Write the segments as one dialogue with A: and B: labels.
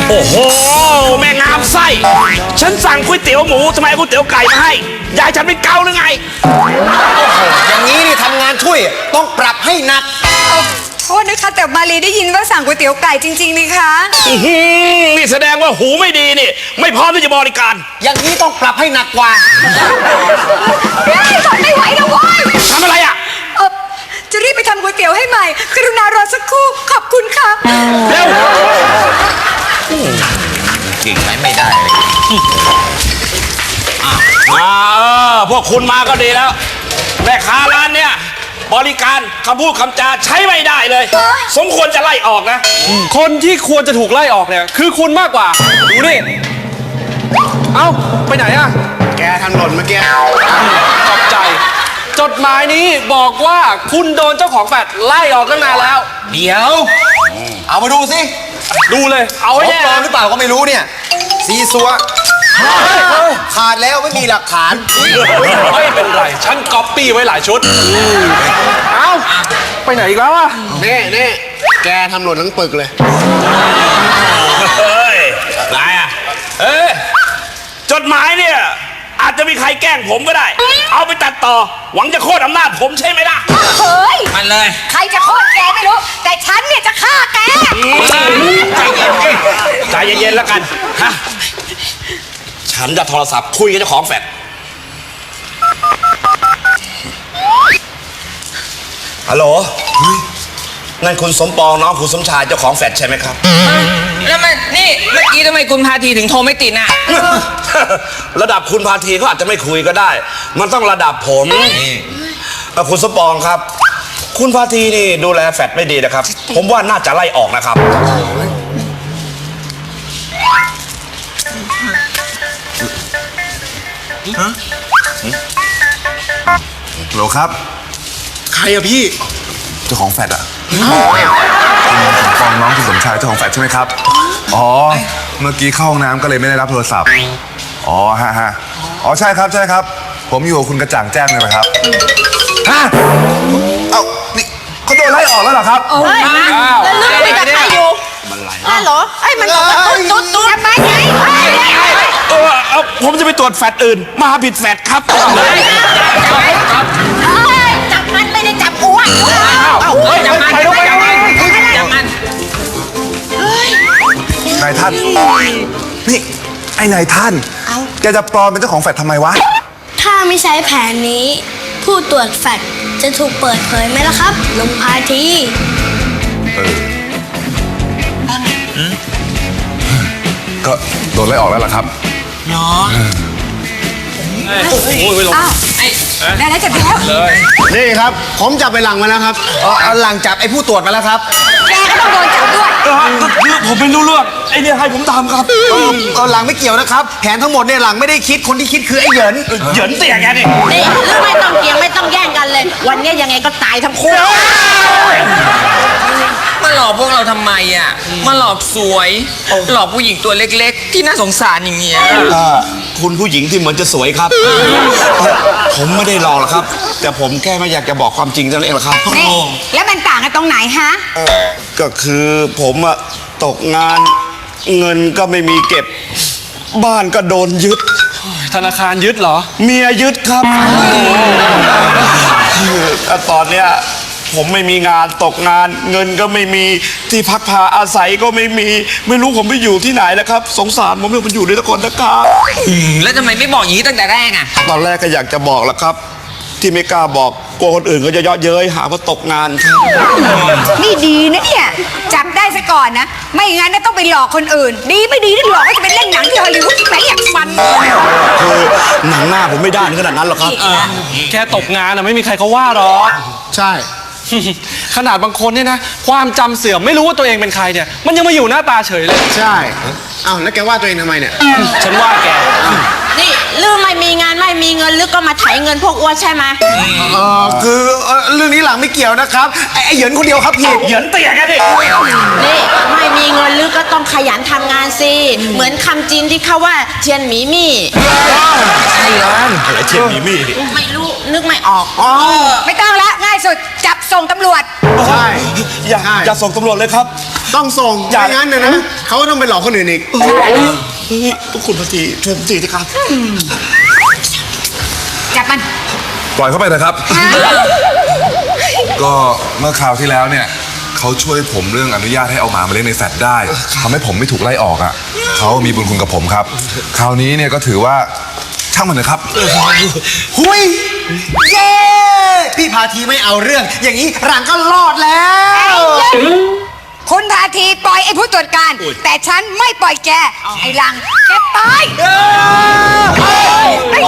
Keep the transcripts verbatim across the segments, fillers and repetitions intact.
A: โอ้โหแม่งามไส้ฉันสั่งก๋วยเตี๋ยวหมูทำไมก๋วยเตี๋ยวไก่มาให้ยายฉันเป็นเกาหรือไง
B: อย่างนี้นี่ทำงานช่วยต้องปรับให้หนัก
C: โทษนะคะแต่มาลีได้ยินว่าสั่งก๋วยเตี๋ยวไก่จริงๆนี่คะ
A: นี่แสดงว่าหูไม่ดีนี่ไม่พร้อมที่จะบริการ
B: อย่างนี้ต้องปรับให้หนักกว่า
C: ไม่ไหวแล้วว้ย
A: ทำอะไรอ่ะ
C: เออจะรีบไปทำก๋วยเตี๋ยวให้ใหม่กรุณารอสักครู่ขอบคุณค่ะ
A: เร็ว
B: เก่งไหมไม่ได้เลย
A: มาเออพวกคุณมาก็ดีแล้วแม่ค้าร้านเนี้ยบริการคำพูดคำจาใช้ไม่ได้เลยสมควรจะไล่ออกนะ
D: คนที่ควรจะถูกไล่ออกเนี่ยคือคุณมากกว่าดูนี่เอ้าไปไหนอะ
B: แกทำหล่นเมื่อกี้
D: ขอบใจจดหมายนี้บอกว่าคุณโดนเจ้าของแฟลตไล่ออกตั้งนานแล้ว
B: เดี๋ยวเอามาดูสิ
D: ดูเลยเอาไว้แน่
B: หรือเปล่าก็ไม่รู้เนี่ยซีซัวขาดแล้วไม่มีหลักฐาน
D: ไม่เป็นไรฉันก๊อปปี้ไว้หลายชุดเอ้าไปไหนอีกแล้วอะ
B: เน่เน่แกทำหล่นทั้งปึกเลย
A: เฮ้ยนายอะเอ้ยจดหมายเนี่ยอาจจะมีใครแกล้งผมก็ได้เอาไปตัดต่อหวังจะโค่นอำนาจผมใช่ไหมล่ะ
C: เฮ้ย
A: มันเลย
C: ใครจะโค่นแกไม่รู้แต่ฉันเนี่ยจะฆ่าแก
A: ใจเย็นใจเย็นๆแล้วกันฮะฉันจะโทรศัพท์คุยกับเจ้าของแฟลตฮัลโหลนั่นคุณสมปองน้องคุณสมชายเจ้าของแฟลตใช่ไหมครับ
E: แล้วมันนี่เมื่อกี้ทำไมคุณพาทีถึงโทรไม่ติดน่ะ
A: ระดับคุณพาทีเขาอาจจะไม่คุยก็ได้มันต้องระดับผมคุณสมปองครับคุณพาทีนี่ดูแลแฟลตไม่ดีนะครับผมว่าน่าจะไล่ออกนะครับ
F: ฮะโหลครับ
B: ใครอะพี่
F: เจ้าของแฟลตอะคุณฟองน้องคุณสมชายเจ้าของแฟลตใช่ไหมครับอ๋อเมื่อกี้เข้าห้องน้ำก็เลยไม่ได้รับโทรศัพท์อ๋อฮะฮะอ๋อใช่ครับใช่ครับผมอยู่กับคุณกระจ่างแจ้งเลยนะครับฮะเอ้านี่เขาโดนไล่ออกแล้วเหรอครับ
C: อ้าวแล้วลูกคุยกับใครอยู่มันไหลอ้าวเหรอไอ้มันตุ๊ดตุ๊ดตุ๊ดทำไมไง
A: เออเอาผมจะไปตรวจแฟลตอื่นมาผิดแฟลตครับ
C: จับมันไม่ได้จับอ้วน
E: จับมันจับมันจับมัน
F: นายท่านนี่ไอ้นายท่านแกจะปลอมเป็นเจ้าของแฟลตทำไมวะ
G: ถ้าไม่ใช้แผนนี้ผู้ตรวจแฟลตจะถูกเปิดเผยไหมล่ะครับลุงพาที
F: เออก็โดนไล่ออกแล้วล่ะครับ
E: เนาะ
C: โอ้ยลงได้แล้วจับแล้ว
B: นี่ครับผมจับไปหลังมาแล้วครับเอาหลังจับไอ้ผู้ตรวจมาแล้วครับ
C: แกก็ต้องโดนจับด้วย
A: ผมไม่รู้เรื่องไอ้เนี่ยให้ผมทำครับ
B: เออหลังไม่เกี่ยวนะครับแผนทั้งหมดเนี่ยหลังไม่ได้คิดคนที่คิดคือไอ้เหยิน
A: เหยินเตี่ยแกนี่
H: นี่ไม่ต้องเกี่ยงไม่ต้องแย่งกันเลยวันนี้ยังไงก็ตายทั้งคู่
E: มาหลอกพวกเราทำไมอ่ะมาหลอกสวยหลอกผู้หญิงตัวเล็กๆที่น่าสงสารอย่างเงี้ย
A: คุณผู้หญิงที่เหมือนจะสวยครับผมไม่ได้หลอกหรอกครับแต่ผมแค่ไม่อยากจะบอกความจริงเท่านั้นเองหรอกครับ
C: แล้วมันต่างกันตรงไหนฮะ
A: ก็คือผมอะตกงานเงินก็ไม่มีเก็บบ้านก็โดนยึด
D: ธนาคารยึดเหรอ
A: เมียยึดครับตอนเนี้ยผมไม่มีงานตกงานเงินก็ไม่มีที่พักพาอาศัยก็ไม่มีไม่รู้ผมไปอยู่ที่ไหนแล้วครับสงสารผมเลยผมอยู่ในตะกอนตะกา
E: แล้วทำไมไม่บอกอย่างนี้ตั้งแต่แรกอ่ะ
A: ตอนแรกก็อยากจะบอกแล้วครับที่ไม่กล้าบอกกลัวคนอื่นก็จะเยาะเย้ยหาว่าตกงานครับ
C: นี่ดีนะเนี่ยจับได้ซะก่อนนะไม่งั้นต้องไปหลอกคนอื่นดีไม่ดีที่หลอกก็จะไปเล่นหนังที่ฮอลลีวูดแหมอยากฟัน
A: คือหนังหน้าผมไม่ได้ขนาดนั้นหรอกครับ
D: แค่ตกงานอะไม่มีใครเขาว่าหรอก
B: ใช่
D: ขนาดบางคนเนี่ยนะความจำเสื่อมไม่รู้ว่าตัวเองเป็นใครเนี่ยมันยังมาอยู่หน้าตาเฉยเลย
B: ใช่อ้าวแล้วแกว่าตัวเองทำไมเนี่ย
D: ฉันว่าแก
H: นี่ลืมไม่มีงานไม่มีเงินลึกก็มาไถเงินพวกอ้วนใช่ไหม
B: เออคือเรื่องนี้หลังไม่เกี่ยวนะครับไอ้เหยินคนเดียวครับพี่
A: เหยินเตี่ยกันดิ
H: นี่ไม่มีเงินลึกก็ต้องขยันทำงานสิเหมือนคำจีนที่เขาว่าเทียนหมีมี่
A: ใช่ร้านอะไรเทียนหมีมี่
H: ไม่รู้นึกไม่ออก
C: ไม่ต้องละง่ายสุดจับส่งตำรวจ
B: ใช่
A: อย่าอย่าส่งตำรวจเลยครับ
B: ต้องส่ง
A: อย่า
B: ไม่งั้นเนยนะเขาก็ต้องไปหลอกคนอื่นอีก
A: เฮ้ยคุณพาทีช่วยผมทีนะครับ
C: จับมัน
F: ปล่อยเข้าไปนะครับ ก็เมื่อคราวที่แล้วเนี่ยเขาช่วยผมเรื่องอนุญาตให้เอาหมามาเลี้ยงในแฟลตได้ทำให้ผมไม่ถูกไล่ออกอ่ะเขามีบุญคุณกับผมครับ คราวนี้เนี่ยก็ถือว่าช่างมันนะครับ
B: หุยเย้พี่พาทีไม่เอาเรื่อง อย่างนี้หลังก็รอดแล้ว
C: คุณพาทีปล่อยไอ้ผู้ตรวจการ แต่ฉันไม่ปล่อยแก ไอ้หลังแกตายไอ้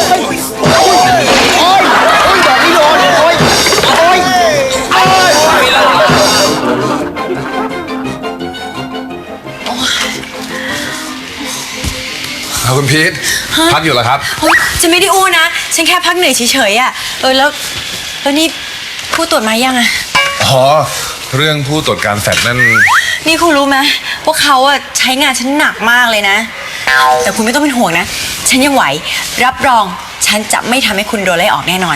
F: เอาคุณพีทพักอยู่เหรอครับ
I: เฮ้ยฉันไม่ได้อู้นะ ฉันแค่พักเหนื่อยเฉยๆอ่ะ เออแล้วแล้วนี่ผู้ตรวจมายังอ่ะ
F: อ๋อ เรื่องผู้ตรวจการแฟลตนั่น
I: นี่คุณรู้ไหมว่าเขาอ่ะใช้งานฉันหนักมากเลยนะ แต่คุณไม่ต้องเป็นห่วงนะ ฉันยังไหว รับรองฉันจะไม่ทำให้คุณโดนไล่ออกแน่นอน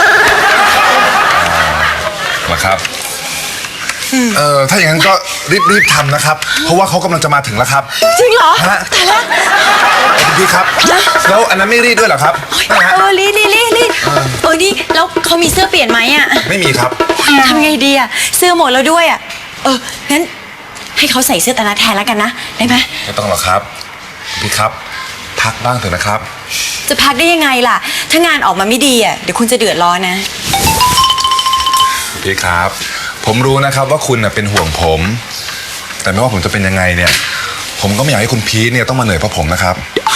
F: เหรอครับ เออถ้าอย่างนั้นก็รีบๆทำนะครับ เพราะว่าเขากำลังจะมาถึงแล้วครับ
I: จริงเหรอ
F: ฮะ
I: ตายแล้ว
F: คุณพีทครับ แล้วอันนั้นไม่รีดด้วยเหรอครับนะฮะ
I: เออรีดรีดรีดรีดเออนี่แล้วเขามีเสื้อเปลี่ยนไหมอ่ะ
F: ไม่มีครับ
I: ทำไงดีอ่ะเสื้อหมดแล้วด้วยอ่ะเอองั้นให้เขาใส่เสื้อตานาแทนแล้วกันนะได้ไหม
F: ไม่ต้องหรอกครับคุณพีทครับ พักบ้างเถอะนะครับ
I: จะพักได้ยังไงล่ะ ถ้างานออกมาไม่ดีอ่ะเดี๋ยวคุณจะเดือดร้อนนะ
F: พี่ครับ ผมรู้นะครับว่าคุณน่ะเป็นห่วงผม แต่ไม่ว่าผมจะเป็นยังไงเนี่ย ผมก็ไม่อยากให้คุณพีทเนี่ยต้องมาเหนื่อยเพราะผมนะครับ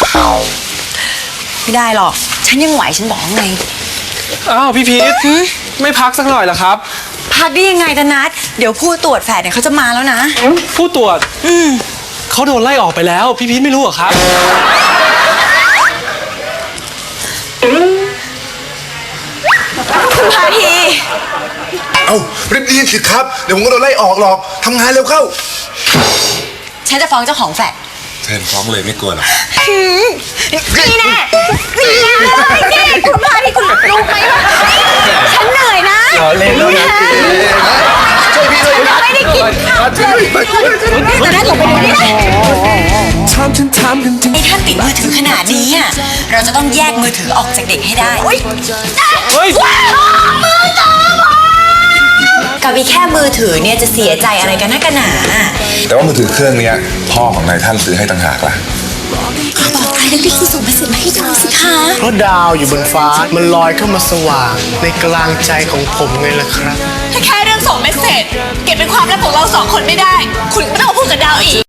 I: ไม่ได้หรอก ฉันยังไหวฉันบอกไง
D: อ้าวพี่พีทไม่พักสักหน่อยเหรอครับ
I: พักได้ยังไงตานัดเดี๋ยวผู้ตรวจแฝดเนี่ยเขาจะมาแล้วนะ
D: ผู้ตรวจเขาโดนไล่ออกไปแล้ว พี่พีทไม่รู้เหรอครับ
I: คุณพาที
F: เอ้ารีบดีสิครับ เดี๋ยวผมก็โดนไล่ออกหรอกทำงานเร็วเข้า
I: ฉันจะฟ้องเจ้าของแฝด
F: เทนฟ้องเลยไม่กลัวหรอก
I: นี่แน่นี่แน่เลยนี่คุณพาทีคุณรู้ไหมว่าฉันเหนื่อยนะ
B: เล่นแล้วนะ
F: ช่วยพี่ด้วยนะ
I: ไม่ได้กินข้าวเลยแต่ถ้าหลบไปดูนี่นะไอ้ท่านติดมือถือขนาดนี้อ่ะเราจะต้องแยกมือถือออกจากเด็กให้ได้
D: เฮ้ย
I: กับมีแค่มือถือเนี่ยจะเสียใจอะไรกันนักกันหนา
F: แต่ว่ามือถือเครื่องเนี้ยพ่อของนายท่านซื้อให้ต่างหากล่ะ
I: บอกใครแล้วรีบส่งมาเสร็จมาให้ดูสิคะ
B: เพราะดาวอยู่บนฟ้ามันลอยเข้ามาสว่างในกลางใจของผมไงล่ะครับ
H: ถ้าแค่เรื่องส่งเมสเซจเก็บเป็นความลับของเราสองคนไม่ได้ คุณไม่ต้องมาพูดกับดาวอีก